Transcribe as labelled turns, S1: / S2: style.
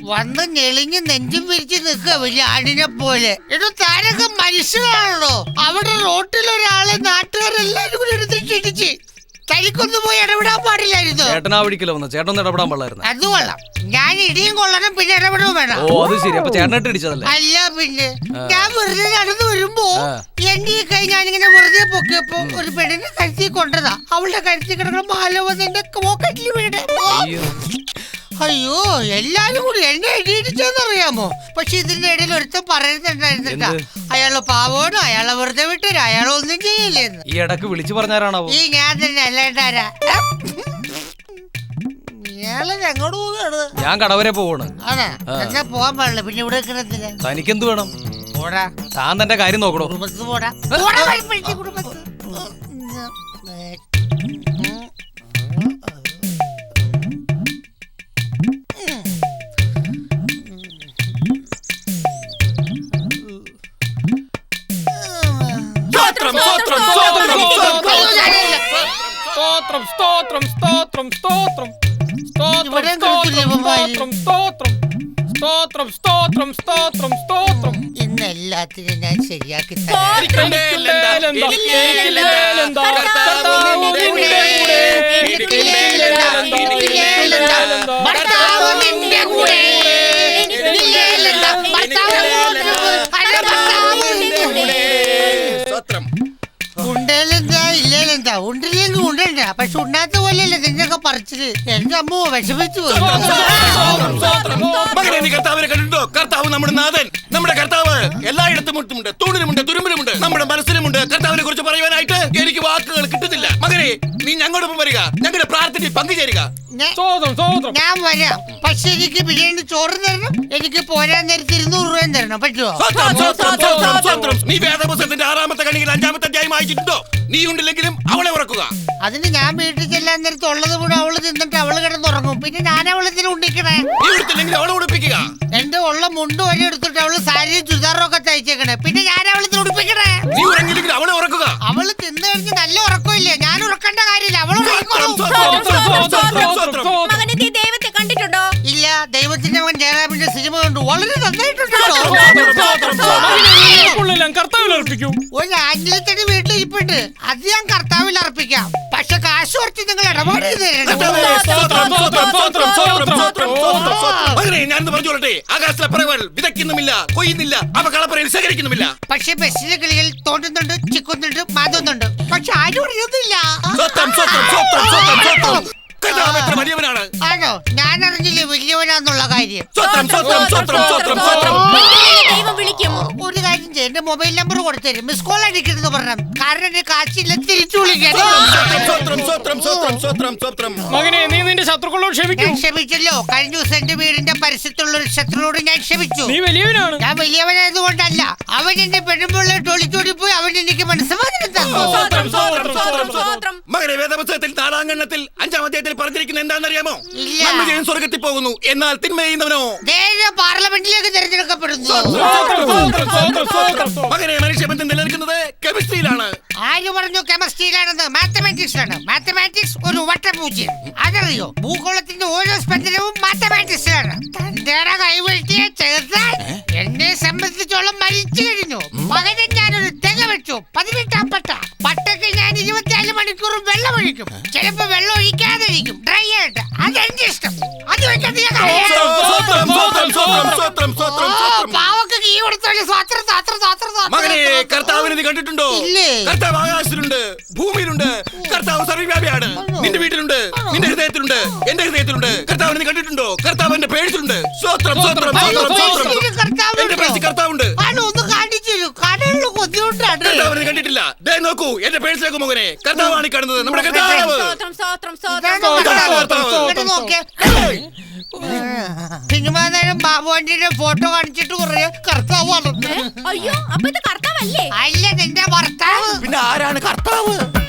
S1: വന്ന് ഞെളിഞ്ഞ് നെഞ്ചും പിരിച്ച് നിൽക്കുക വലിയ ആടിനെ പോലെ. ഇത് താരൊക്കെ മനുഷ്യനാണല്ലോ. അവിടെ റോട്ടിൽ ഒരാളെ നാട്ടുകാരെല്ലാരും കൂടി എടുത്തിട്ട് ഇടിച്ച്. തനിക്കൊന്നും പോയി ഇടപെടാൻ പാടില്ലായിരുന്നു.
S2: ചേട്ടനാ വിളിക്കലോ ചേട്ടൻ ഇടപെടാൻ പാടില്ലായിരുന്നു.
S1: അത് കൊള്ളാം. ഞാൻ ഇടിയും കൊള്ളണം പിന്നെ ഇടപെടുകയും വേണം.
S2: ഓ അത് ശരി. അപ്പൊ ചേട്ടനായിട്ട് ഇടിച്ചതല്ലേ?
S1: അല്ല പിന്നെ ഞാൻ വെറുതെ നടന്നു വരുമ്പോ എന്റെ ഈ കൈ ഞാനിങ്ങനെ വെറുതെ പൊക്കിയപ്പോ ഒരു പെണ്ണിന്റെ കഴുത്തി കൊണ്ടതാ. അവളുടെ കഴുത്തി കിടക്കുന്ന മാല വന്ന് എന്റെ പോക്കറ്റിൽ വീട്. അയ്യോ എല്ലാരും കൂടി എന്നെ ഇടിയിടിച്ചെന്നറിയാമോ? പക്ഷെ ഇതിന്റെ ഇടയിൽ ഒരുത്തം പറയുന്നുണ്ടായിരുന്നിട്ടാ, അയാള് പാവോട്, അയാളെ വെറുതെ വിട്ടു, അയാളൊന്നും ചെയ്യില്ലെന്ന്.
S2: ഈ ഇടക്ക് വിളിച്ചു പറഞ്ഞാരാണോ?
S1: ഈ ഞാൻ തന്നെ അല്ലേട്ടാരാ. എങ്ങോട്ട് പോവുകയാണ്?
S2: ഞാൻ കടവരെ പോവാണ്.
S1: അതെ എന്നാ പോവാൻ പാടില്ല. പിന്നെ ഇവിടെ കിടത്തില്ല.
S2: തനിക്കെന്ത് വേണം?
S1: പോടാ.
S2: താൻ തന്റെ കാര്യം നോക്കണോ?
S1: കുടുംബത്ത് പോടാ. കുടുംബത്ത് ഇന്ന് എല്ലാത്തിനും ഞാൻ ശരിയാക്കി ഉണ്ടേലെന്താ ഇല്ലേലെന്താ? ഉണ്ടില്ലെങ്കിൽ ഉണ്ടണ്ട. പക്ഷെ ഉണ്ടാത്ത പോലെയല്ലേ നിന്നൊക്കെ പറിച്ചിട്ട്. എന്റെ അമ്മ വിഷമിച്ചു പോയി.
S3: കർത്താവിനെ കണ്ടിട്ടോ? കർത്താവ് നമ്മുടെ നാഥൻ, നമ്മുടെ കർത്താവ് എല്ലായിടത്തും മുട്ടുമുണ്ട്, തൂണിലുമുണ്ട്, തുരുമ്പിലുമുണ്ട്, നമ്മുടെ മനസ്സിലുമുണ്ട്. കർത്താവിനെ കുറിച്ച് പറയുവാനായിട്ട് എനിക്ക് വാക്കുകൾ കിട്ടുന്നില്ല. മകനെ നീ ഞങ്ങളോടൊപ്പം വരിക, ഞങ്ങളുടെ പ്രാർത്ഥനയിൽ പങ്കുചേരുക.
S1: ഞാൻ വരാം. പക്ഷെ എനിക്ക് ബിരിയാണി ചോറ് തരണം. എനിക്ക് പോരാൻ നേരത്തെ 200 രൂപയും തരണം. പറ്റുമോ?
S3: നീ വേദപുസ്തകത്തിന്റെ 6-ാമത്തെ കണിയിൽ 5-ാമത്തെ അധ്യായം വായിച്ചിട്ടുണ്ടോ? നീ ഉണ്ടില്ലെങ്കിലും അവളെ ഉറക്കുക.
S1: അതിന് ഞാൻ വീട്ടിൽ ചെല്ലാൻ നേരത്തെ ഉള്ളത് കൂടെ അവള് തിന്നിട്ട് അവള് കിടന്നുറങ്ങും. പിന്നെ ഞാൻ അവളത്തിന് ഉണ്ടിക്കണേ.
S3: നീ എടുത്തില്ലെങ്കിൽ അവളെ ഉടുപ്പിക്കുക.
S1: എന്റെ ഉള്ള മുണ്ട് വരെ എടുത്തിട്ട് അവള് സാരിയും ചുരിദാറും ഒക്കെ തയ്ച്ചേക്കണേ. പിന്നെ ഞാൻ അവളത്തിന് ഉടുപ്പിക്കണേ.
S3: നീ ഉറങ്ങില്ലെങ്കിൽ അവളെ ഉറക്കുക.
S1: അവള് തിന്നു കഴിഞ്ഞ് നല്ല ഉറക്കമില്ലേ? ഞാൻ ഉറക്കേണ്ട കാര്യമില്ല. അവള്
S4: ദൈവത്തെ കണ്ടിട്ടുണ്ടോ?
S1: ഇല്ല. ദൈവത്തിന്റെ മകൻ ജയറാമിന്റെ സിനിമ കണ്ടു. വളരെ നന്നായിട്ടുണ്ടോ? ഒരു ആംഗലത്തിന് വീട്ടിൽ ഇരിപ്പിട്ട് അത് ഞാൻ കർത്താവിൽ അർപ്പിക്കാം. പക്ഷെ കാശ് കുറച്ച് നിങ്ങൾ ഇടപാട്
S3: ഞാൻ പറഞ്ഞോളട്ടെ, ആകാശത്തിലെ പറവകൾ വിതയ്ക്കുന്നുമില്ല, കൊയ്യുന്നില്ല, അവ കളപ്പറയിൽ ശേഖരിക്കുന്നുമില്ല.
S1: പക്ഷെ ബസ്സിലെ കിളികൾ തോണ്ടുന്നുണ്ട്, ചിക്കുന്നുണ്ട്, മാതുന്നുണ്ട്. പക്ഷെ ആരും അറിയുന്നില്ല. ആണോ? ഞാൻ അറിഞ്ഞില്ലേ വലിയവനാന്നുള്ള കാര്യം. ഒരു കാര്യം ചെയ്യും, എന്റെ മൊബൈൽ നമ്പർ കൊടുത്തരും, മിസ് കോൾ അടിക്കരുത് പറഞ്ഞു. കാരണം എന്റെ കാശില്ല, തിരിച്ചു വിളിക്കാൻ. ഞാൻ ക്ഷമിച്ചല്ലോ. കഴിഞ്ഞ ദിവസം എന്റെ വീടിന്റെ പരിസരത്തുള്ള ഒരു ശത്രുവോട് ഞാൻ ക്ഷമിച്ചു. ഞാൻ വലിയവനായത് കൊണ്ടല്ല. അവൻ എന്റെ പെണ്ണുമ്പോൾ ടോളിച്ചോടി പോയി. അവൻ എനിക്ക് മനസ്സമാധാനം തന്നു.
S3: മകനെ വേദപുസ്തകത്തിൽ 4-ാം ഖണ്ഡത്തിൽ 5-ാം അധ്യായത്തിൽ പറഞ്ഞിരിക്കുന്നത് എന്താണെന്നറിയാമോ? സ്വർഗത്തിൽ പോകുന്നു, എന്നാൽ തിന്മ ചെയ്യുന്നവനോ
S1: പാർലമെന്റിലേക്ക് തിരഞ്ഞെടുക്കപ്പെടുന്നു.
S3: മകനെ മനുഷ്യബന്ധം നിലനിൽക്കുന്നത് കെമിസ്ട്രിയിലാണ്.
S1: ആര് പറഞ്ഞു കെമിസ്ട്രിയിലാണെന്ന്? മാത്തമാറ്റിക്സ് ആണ്. മാത്തമാറ്റിക്സ് ഒരു വട്ടപൂജ്യം. അതറിയോ? ഭൂഗോളത്തിന്റെ ഓരോ സ്പന്ദനവും മാത്തമാറ്റിക്സിലാണ്. തന്റെ കൈവെട്ടിയെ ചേർത്താൽ എന്നെ സംബന്ധിച്ചോളം മരിച്ചു കഴിഞ്ഞു. മകനെ ഞാനൊരു തെക വെച്ചു. 18-ാം പട്ട. പട്ടയ്ക്ക് ഞാൻ 24 മണിക്കൂറും വെള്ളം ഒഴിക്കും. ചിലപ്പോ വെള്ളം ഒഴിക്കാതെ ഇരിക്കും, ഡ്രൈ ആയിട്ട്. അതെന്റെ ഇഷ്ടം. അത് വെച്ചത് പാവക്ക് കീ കൊടുത്തോളൂ.
S3: മകനെ കർത്താവിനെ നീ കണ്ടിട്ടുണ്ടോ? കർത്താവ് ആകാശത്തിലുണ്ട്, ഭൂമിയിലുണ്ട്. കർത്താവ് സർവ്വവ്യാപിയാണ്. നിന്റെ വീട്ടിലുണ്ട്, നിന്റെ ഹൃദയത്തിലുണ്ട്, എന്റെ ഹൃദയത്തിലുണ്ട്. കർത്താവിനെ നീ കണ്ടിട്ടുണ്ടോ? കർത്താവ് എന്റെ പേഴ്സിലുണ്ട്. എന്റെ പേഴ്സിൽ കർത്താവുണ്ട്. കർത്താവിനെ കണ്ടിട്ടില്ല. ദേ നോക്കൂ എന്റെ പേഴ്സിലേക്ക് മകനെ. കർത്താവാണ് കാണുന്നത്, നമ്മുടെ കർത്താവ്.
S1: സിനിമാ നേരം ബാബുവാന്റെ ഫോട്ടോ കാണിച്ചിട്ട് കുറെ കർത്താവ്.
S4: അയ്യോ, അപ്പൊ ഇത് കർത്താവല്ലേ?
S1: അല്ല, നിന്റെ ഭർത്താവ്.
S3: പിന്നെ ആരാണ് കർത്താവ്?